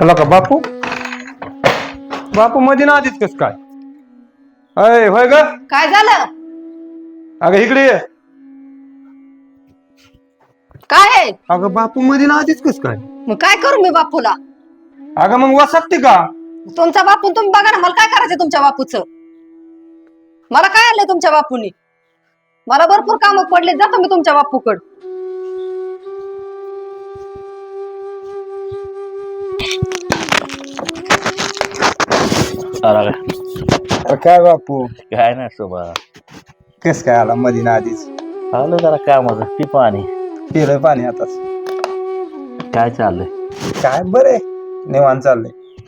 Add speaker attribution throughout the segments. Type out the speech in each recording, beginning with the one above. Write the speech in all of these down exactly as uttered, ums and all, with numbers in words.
Speaker 1: चला का बापू बापू मध्ये ना आधीच कस काय अय होय ग
Speaker 2: काय झालं?
Speaker 1: अगं इकडे ये.
Speaker 2: काय आहे?
Speaker 1: अगं बापू मध्ये ना आधीच कस काय
Speaker 2: मग काय करू मी बापूला?
Speaker 1: अगं मग वसकते का
Speaker 2: तुमचा बापू तुम्ही बघा ना, मला काय करायचं तुमच्या बापूचं? मला काय आलंय तुमच्या बापूनी? मला भरपूर काम पडले, जातो मी तुमच्या बापूकड.
Speaker 1: काय बापू
Speaker 3: काय नाही शोभा.
Speaker 1: कस काय आला मध्ये ना आधीच
Speaker 3: आलो जरा कामाचं ती पाणी
Speaker 1: पिलंय पाणी आताच
Speaker 3: काय चाललंय?
Speaker 1: काय बरे निवांत चाललंय.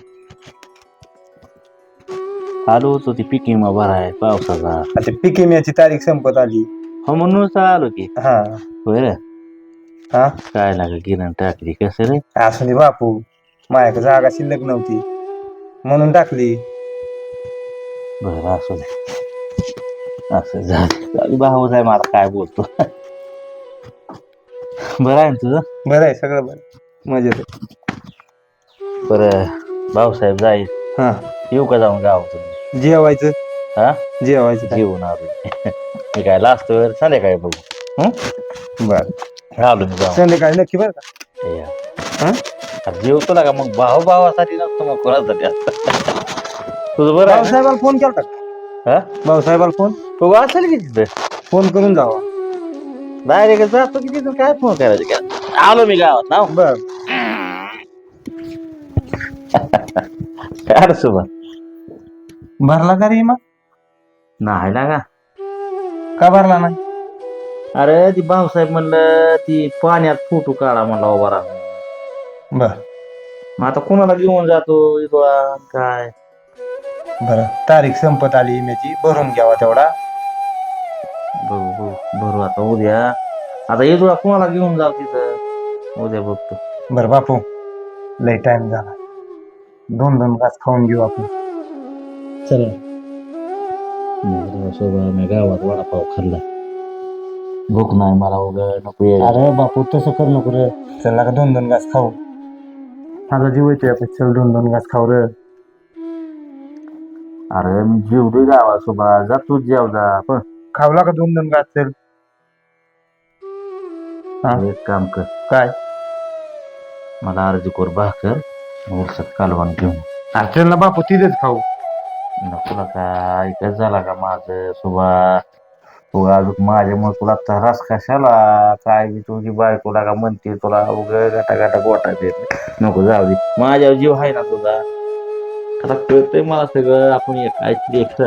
Speaker 3: आलो होतो ती पिकी मग बरा आहे पावसाचा.
Speaker 1: आता पीक विम्याची तारीख संपत आली.
Speaker 3: हो म्हणूनच आलो की.
Speaker 1: हा
Speaker 3: होय रे.
Speaker 1: हा
Speaker 3: काय लाग गिरण टाकली कसं रे?
Speaker 1: असू दे बापू, माझ्याकडे जागा शिल्लक नव्हती म्हणून टाकली.
Speaker 3: बरं असू दे, असं झालं भाऊ आहे मला काय बोलतो. बरं आहे ना तुझं?
Speaker 1: बरं आहे सगळं बरं मजेत आहे.
Speaker 3: बरं भाऊसाहेब जाईल
Speaker 1: हा
Speaker 3: येऊ का जाऊन गावातून?
Speaker 1: जेवायचं
Speaker 3: हा
Speaker 1: जेवायचं काय?
Speaker 3: जेवून आलो मी काय लास्ट वेळ संध्याकाळी बघू. हं
Speaker 1: बर
Speaker 3: आलो मी जाऊन.
Speaker 1: संध्याकाळी नक्की बरं का?
Speaker 3: या.
Speaker 1: हा
Speaker 3: अरे जेवतो ना का मग भाऊ भावासाठी नसतो मग कोणासाठी असतं. तुझं बरं आहे ना?
Speaker 1: भाऊसाहेबाला फोन केला का?
Speaker 3: हा
Speaker 1: भाऊसाहेबाला फोन
Speaker 3: तो असेल की तिथं
Speaker 1: फोन करून जावा.
Speaker 3: डायरेक्ट जातो की तिथून काय फोन करायचं काय? आलो मी गावात ना.
Speaker 1: बर
Speaker 3: काय रे सुभा?
Speaker 1: भरला का रे मग?
Speaker 3: नाही लागा.
Speaker 1: का भरला नाही?
Speaker 3: अरे ती भाऊसाहेब म्हणलं ती पाण्यात फोटो काढा म्हणला उभा राहून.
Speaker 1: बर
Speaker 3: मग आता कोणाला घेऊन जातो इथला काय?
Speaker 1: बर तारीख संपत आली विम्याची, भरून घ्यावा तेवढा.
Speaker 3: बघू बघू भरू आता उद्या. आता येतो कोणाला घेऊन जाऊ तिथं उद्या बघतो.
Speaker 1: बर बापू लय टाइम झाला, दोन दोन घास खाऊन घेऊ आपण.
Speaker 3: चला सोबत मी गावात वडापाव खाल्ला. भूक नाही मला उद्या नको ये.
Speaker 1: अरे बापू तसं करू नको रे, चल का दोन दोन घास खाऊ. माझा जीव येतोय आपण, चल दोन दोन घास खाऊ रे.
Speaker 3: अरे मी जेवतोय गावात सोबत, जा तू जेव जा. पण
Speaker 1: खावला का दोन दोन घास? चल हा
Speaker 3: एक काम कर,
Speaker 1: काय
Speaker 3: मला अर्धी कोर भाकर उरसात कालवण घेऊन.
Speaker 1: अरे चल ना बापू तिथेच खाऊ.
Speaker 3: नको ना काय ऐकत झाला का माझं सोबा? तू अजून माझ्यामुळे तुला त्रास कशाला? काय बी तुझी बायकोला का म्हणते तुला उग गाटा गाटा गोटा देत. नको जाऊ दे, माझ्यावर जीव आहे ना तुझा. आता कळतंय मला सगळं, आपण एक ऐकली एक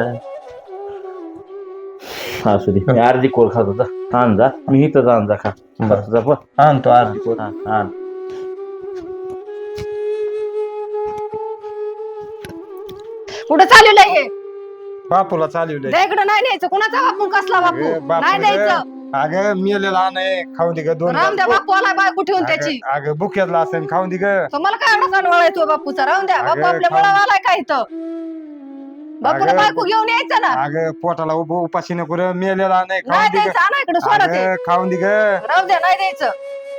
Speaker 3: असू दे. मी अर्धी कोर खात होता. आण जा, मी इथंच आण जा खा. जा पण
Speaker 1: आणतो अर्धी
Speaker 3: कोर आण आण.
Speaker 2: कुठं चालवलंय हे?
Speaker 1: बापूला चालवलंय.
Speaker 2: इकडं नाही न्यायचं. कुणाचा बापू कसला बापू? नाही द्यायचं.
Speaker 1: अगं मेलेला नाही, खाऊ दे ग दोन
Speaker 2: राहून द्या, बापू आला बायको ठेवून त्याची.
Speaker 1: अगं बुक्यातला असेल, खाऊन दे ग.
Speaker 2: तुम्हाला काय एवढा कानवळा येतो बापूचा? राहून द्या, बापू
Speaker 1: अगं,
Speaker 2: आपल्या
Speaker 1: खाऊन-
Speaker 2: मुळाला आलाय का इथं? बापूला
Speaker 1: अगं,
Speaker 2: बायको घेऊन यायचं ना.
Speaker 1: अगं पोटाला उभ उपाशी नको रे, मेलेला नाही, खाऊन
Speaker 2: नाही
Speaker 1: दे ग.
Speaker 2: द्यायचं, आणा इकडे सोडा ते.
Speaker 1: अगं, खाऊन दे ग.
Speaker 2: राहू द्या, नाही द्यायचं.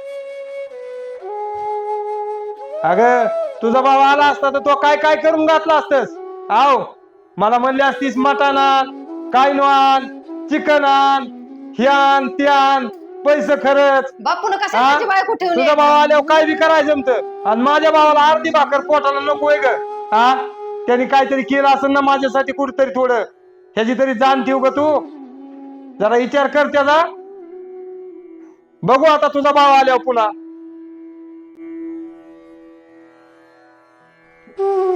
Speaker 1: अगं तुझा भाव आला असता तर तो काय काय करून घातला असतस. आव मला म्हणली असतीस मटण आण, काय नो आण, चिकन आण, हे आण ते आण, पैसे खरंच.
Speaker 2: बापून
Speaker 1: हा?
Speaker 2: कशा बायको ठेवून
Speaker 1: तुझा
Speaker 2: यायचं?
Speaker 1: भाव आल्यावर काय बी करायचं जमतं, आणि माझ्या भावाला अर्धी भाकर पोटाला नकोय ग. हा त्यांनी काहीतरी केलं असेल ना माझ्यासाठी कुठतरी, थोडं ह्याची तरी जाण ठेव ग तू. जरा विचार कर त्याचा. बघू आता तुझा भाव आल्यावर पुन्हा.